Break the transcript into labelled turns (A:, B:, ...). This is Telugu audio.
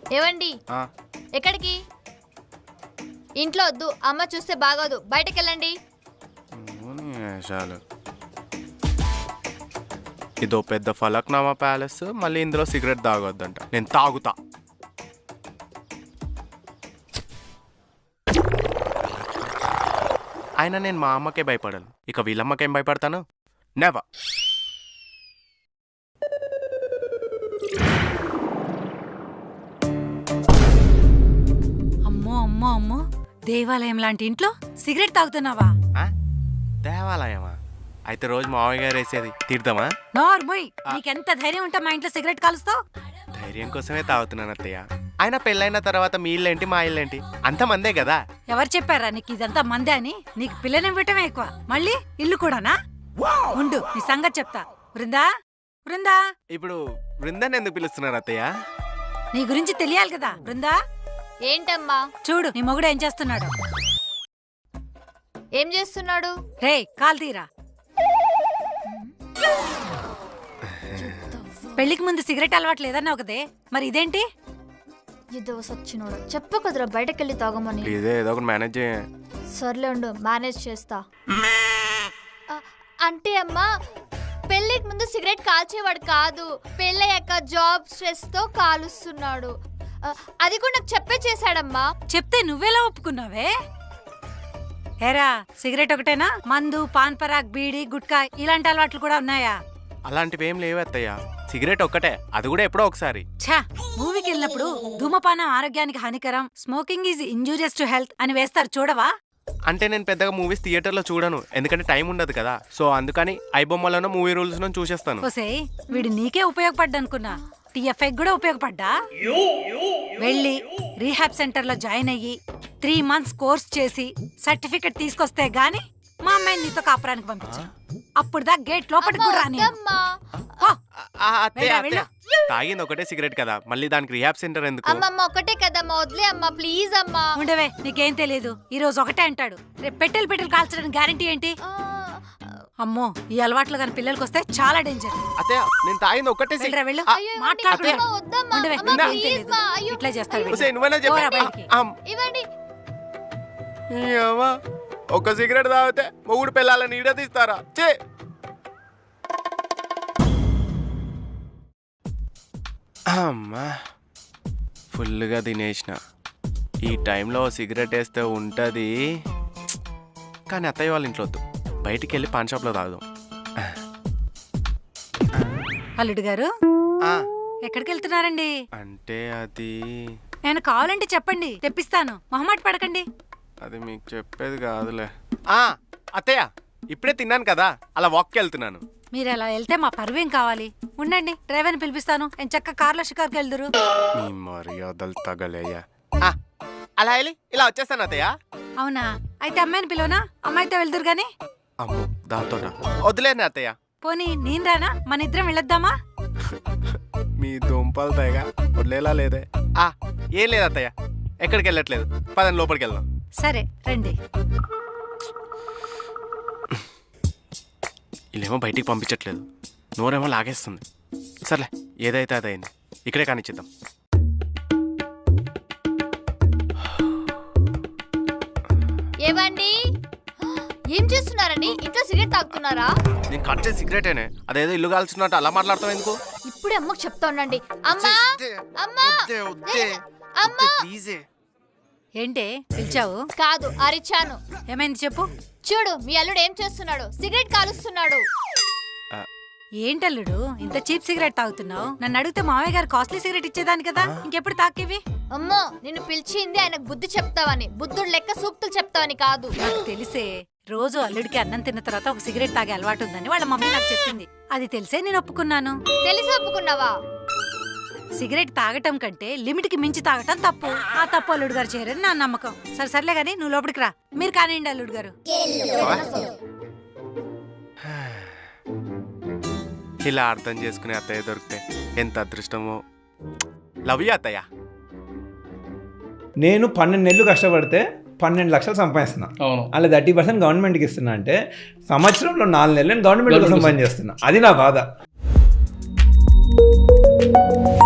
A: ఏవండి ఎక్కడికి? ఇంట్లో వద్దు, అమ్మ చూస్తే బాగోదు, బయటకు వెళ్ళండి.
B: ఇదో పెద్ద ఫలక్నామా ప్యాలెస్, మళ్ళీ ఇందులో సిగరెట్ తాగొద్దంట. నేను తాగుతా. అయినా నేను మా అమ్మకే భయపడాను, ఇక వీళ్ళమ్మకేం భయపడతాను? నెవర్.
C: అమ్మో అమ్మో అమ్మో, దేవాలయం లాంటి ఇంట్లో సిగరెట్ తాగుతున్నావా?
B: దేవాలయమా? అయితే రోజు మావయ్య గారు వేసేది తీర్థమా?
C: నార్మోయ్, నీకెంత ధైర్యం ఉంటా మా ఇంట్లో సిగరెట్ కాలుస్తావు?
B: ధైర్యం కోసమే తాగుతున్నాను అత్తయ్య. ఆయన పెళ్ళైన తర్వాత మీ ఇల్లేంటి మా ఇల్లేంటి, అంత మందే కదా.
C: ఎవరు చెప్పారా నీకు ఇదంతా మందే అని? నీకు పిల్లనివ్వటమే ఎక్కువ, మళ్ళీ ఇల్లు కూడానా? ఉండు, నీ సంగతి చెప్తా. బృందా, బృందా.
B: ఇప్పుడు బృందాన్ని ఎందుకు పిలుస్తున్నారు అత్తయ్య?
C: నీ గురించి తెలియాలి కదా. బృందా,
A: ఏంటమ్మా?
C: చూడు నీ మొగుడు ఏం చేస్తున్నాడు.
A: ఏం చేస్తున్నాడు?
C: రే, కాల్ తీరా. పెళ్లికి ముందు సిగరెట్ అలవాటు లేదన్నావు కదే, మరి ఇదేంటి?
A: ఇదో సచ్చినోడు, చెప్పు కదరా బయటకెళ్ళి తాగమని.
B: ఇదే ఏదో ఒకటి మేనేజ్ చేయ.
A: సర్లే ఉండు, మేనేజ్ చేస్తా. అంటే అమ్మా, పెళ్లికి ముందు సిగరెట్ కాల్చేవాడు కాదు, పెళ్ళయ్యాక జాబ్ స్ట్రెస్ తో కాలుస్తున్నాడు. అది కూడా నాకు చెప్పే చేశాడమ్మా.
C: చెప్తే నువ్వెలా ఒప్పుకున్నావే? ఏరా, సిగరెట్ ఒకటేనా? మందు, పాన్ పరాగ్, బీడి, గుట్కా ఇలాంటి అలవాట్లు కూడా ఉన్నాయా?
B: అలాంటివి ఏం లేవు అత్తయ్య, సిగరెట్ ఒక్కటే, అది కూడా ఎప్పుడో ఒకసారి.
C: ఛా, మూవీకి వెళ్ళినప్పుడు ధూమపానం ఆరోగ్యానికి హానికరం, smoking is injurious to health అని వేస్తారు, చూడవా?
B: అంటే నేను పెద్దగా మూవీస్ థియేటర్లో చూడను, ఎందుకంటే టైం ఉండదు కదా. సో అందుకని ఐబొమ్మలను మూవీ రూల్స్ ను చూసేస్తాను.
C: ఓసే, వీడు నీకే ఉపయోగపడ్డా అనుకున్నా, టీఎఫ్ఐ కూడా ఉపయోగపడ్డా? వెళ్ళి రీహాబ్ సెంటర్ లో జాయిన్ అయ్యి 3 months కోర్స్ చేసి సర్టిఫికెట్ తీసుకొస్తే గాని మా అమ్మాయిని నీతో కాపురానికి పంపించు. అప్పుడు దా గేట్ లోపలికి కూడా రాని.
B: తాగింది ఒకటే సిగరెట్ కదా, మళ్ళీ దానికి రిహాబ్ సెంటర్ ఎందుకు?
A: అమ్మమ్మ ఒకటే కదమ్మా, వదిలే అమ్మా ప్లీజ్ అమ్మా.
C: ఉండవే, నీకేం తెలియదు. ఈ రోజు ఒకటే అంటాడు, రేపు పెట్టెలు కాల్చడానికి గ్యారంటీ ఏంటి? అమ్మో, ఈ అలవాట్లు గాని పిల్లలకి వస్తే చాలా డేంజర్.
B: అత్తయ్య, నేను తాగింది ఒకటే సిగరెట్.
C: వెళ్ళు, ఇట్లా చేస్తాడు.
B: ఒక సిగరెట్ తాగితే మొగుడు పిల్లలని ఈడ తీస్తారా? చే అమ్మా, ఫుల్గా తినేసిన. ఈ టైంలో సిగరెట్ వేస్తే ఉంటుంది, కానీ అత్తయ్య వాళ్ళ ఇంట్లో వద్దు, బయటికి వెళ్ళి పాన్ షాప్లో తాగుదాం.
C: అల్లుడు గారు, ఎక్కడికి వెళ్తున్నారండి?
B: అంటే అది
C: నేను కావాలంటే చెప్పండి, తెప్పిస్తాను, మొహమాట పడకండి.
B: అది మీకు చెప్పేది కాదులే. అత్తయ్య, ఇప్పుడే తిన్నాను కదా, అలా వాక్కి వెళ్తున్నాను.
C: మీరు అలా వెళ్తే మా పరువేం కావాలి? ఉండండి, డ్రైవర్ని పిలిపిస్తాను, నేను చక్క కార్లో షికార్కి వెళ్దురు.
B: మీ మర్యాదలు తగలయ్యా. అలా వెళ్ళి ఇలా వచ్చేస్తాను అత్తయ్య.
C: అవునా? అయితే అమ్మాయిని పిలవనా? అమ్మాయితో వెళ్దురు గాని.
B: అమ్మో, దాంతో వదిలేను అత్తయ్య.
C: పోనీ నేను రానా? మన ఇద్దరం వెళ్ళొద్దామా?
B: మీ దుంపలు తేగా వదిలేలా లేదే. ఏం లేదు అత్తయ్య, ఎక్కడికి వెళ్ళట్లేదు, పదని లోపలికి వెళ్దాం.
C: సరే రండి.
B: వీళ్ళేమో బయటికి పంపించట్లేదు, నోరేమో లాగేస్తుంది. సర్లే, ఏదైతే అదైంది, ఇక్కడే కానిచ్చిద్దాం.
A: ఏవండి, ఏం చేస్తున్నారండి? ఇంట్లో సిగరెట్ తాగుతున్నారా?
B: నేను కట్ చేసి సిగరెటేనే, అదేదో ఇల్లు కాల్చున్నట్టు అలా మాట్లాడతావు ఎందుకు?
A: ఇప్పుడే అమ్మకు చెప్తా ఉండండి. అమ్మా, అమ్మా, అమ్మా.
C: ఏంటే పిలిచావు?
A: కాదు, అరిచాను.
C: ఏమైంది చెప్పు.
A: చూడు, మీ అల్లుడు ఏం చేస్తున్నాడు, సిగరెట్ కాలుస్తున్నాడు.
C: ఏంటల్లుడు ఇంత చీప్ సిగరెట్ తాగుతున్నావు? నన్ను అడిగితే మావయ్య గారు కాస్ట్లీ సిగరెట్ ఇచ్చేదాని కదా, ఇంకెప్పుడు తాకేవి?
A: అమ్మో, నిన్ను పిలిచింది ఆయనకు బుద్ధి చెప్తావని, బుద్ధుడు లెక్క సూక్తులు చెప్తావని కాదు.
C: నాకు తెలిసే, రోజు అల్లుడికి అన్నం తిన్న తర్వాత ఒక సిగరెట్ తాగే అలవాటు ఉందని వాళ్ళ మమ్మీ నాకు చెప్పింది. అది తెలిసే నేను ఒప్పుకున్నాను.
A: తెలిసి ఒప్పుకున్నావా?
C: సిగరెట్ తాగటం కంటే లిమిట్ కి మించి తాగటం తప్పు. ఆ తప్పు అల్లుడు గారు చేయరని నా నమ్మకం. సర్లే గానీ నువ్వు లోపలికి రా. మీరు కానివ్వండి అల్లుడు గారు.
B: ఇలా అర్థం చేసుకునే అత్తయ్య దొరికితే ఎంత అదృష్టమో. లవ్ యూ అత్తయ్య.
D: నేను 12 నెలలు కష్టపడితే 12 లక్షలు సంపాదిస్తున్నా. అలా 30% గవర్నమెంట్కి ఇస్తున్నా అంటే సంవత్సరంలో 4 నెలలు గవర్నమెంట్ కోసం పని చేస్తున్నా. అది నా బాధ.